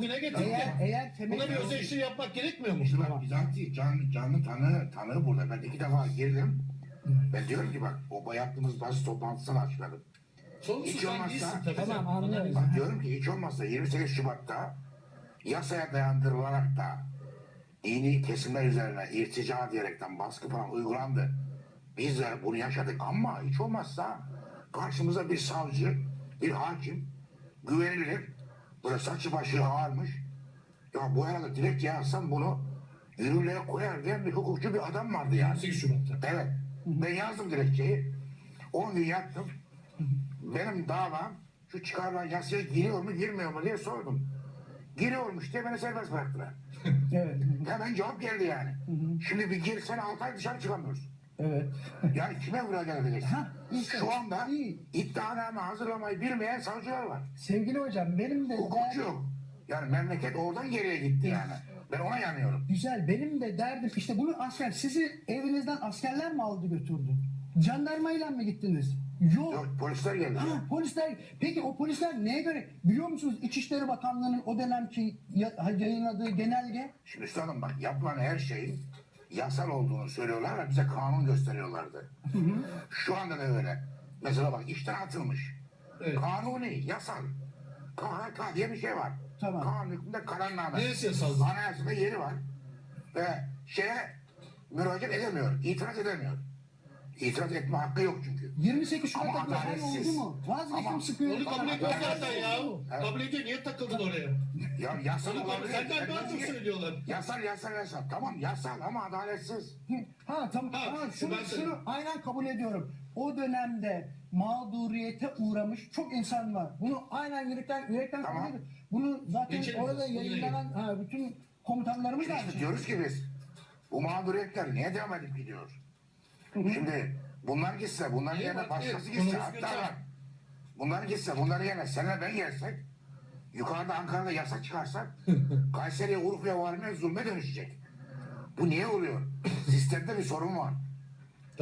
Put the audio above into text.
bugüne getirdi. Eğer Buna bir öz eleştiri yapmak gerekmiyor mu? İşte bak Bizanti canlı tanığı burada. Ben 2 defa girdim. Ben diyorum ki bak o yaptığımız basın toplantısını açıkladım. Sorumlusu Hiç sen olmazsa- değilsin tabii. Tamam, sen. anlıyorum. Bak diyorum ki hiç olmazsa 28 Şubat'ta yasaya dayandırılarak da dini kesimler üzerine irtica diyerekten baskı falan uygulandı. Biz de bunu yaşadık ama hiç olmazsa karşımıza bir savcı, bir hakim, güvenilir, böyle saçı başı ağarmış. Ya bu arada dilekçe yazsam bunu yürürlüğe koyar diyen bir hukukçu bir adam vardı yani. 28 Şubat'ta. Evet. Ben yazdım dilekçeyi. 10 gün yattım. Benim davam şu çıkarılan yasaya giriyor mu girmiyor mu diye sordum. Giriyormuş diye beni serbest bıraktılar. Evet. Hemen cevap geldi yani. Şimdi bir girsen 6 ay dışarı çıkamıyorsun. Evet. Yani kime müracaat edeceksin? Ha, işte. Şu anda İyi. iddianame hazırlamayı bilmeyen savcılar var. Sevgili hocam benim de Hukukçu yok. Yani memleket oradan geriye gitti yani. Ben ona yanıyorum. güzel benim de derdim işte bunu sizi evinizden askerler mi aldı götürdü? Jandarmayla mı gittiniz? Yok. Yok polisler geldi. Ha, polisler. Peki o polisler neye göre? Biliyor musunuz İçişleri Bakanlığı'nın o dönemki yayınladığı genelge? Şimdi üstadım bak yapılan her şeyin yasal olduğunu söylüyorlar ve bize kanun gösteriyorlardı. Şu anda da öyle. Mesela bak işten atılmış. Evet. Kanuni, yasal. KHK diye bir şey var. Tamam. Kanun hükmünde kararname. Neresi yasal? Anayasada yeri var. Ve şeye müracaat edemiyor, itiraz edemiyor. İtiraz etme hakkı yok çünkü. 28 Ama Şubat'ta bir şey adaletsiz. oldu mu? Vazgeçtim Ama- sıkıyor. Onu kabul ediyor zaten ya. Evet. Kabul ediyor. Niye takıldın oraya? Ya yasal Onu kabul olabilir. senden daha çok söylüyorlar. Yasal. Tamam yasal ama adaletsiz. Ha tamam. Ha, Ha, ben şunu söyleyeyim. aynen kabul ediyorum. O dönemde mağduriyete uğramış çok insan var. Bunu aynen yürekten Tamam. kabul ediyorum. Bunu zaten Geçelim. orada Bugüne yayınlanan bütün komutanlarımız da aynı İşte şey. diyoruz ki biz bu mağduriyetler niye devam edip gidiyor? Şimdi bunlar gitse, bunların İyi yerine bak, başkası evet, gitse konumuz hatta götür. var. Bunlar gitse, bunların yerine senle ben gelsek, yukarıda Ankara'da yasa çıkarsak, Kayseri'ye, Urfa'ya varmaya zulme dönüşecek. Bu niye oluyor? Sistemde bir sorun var.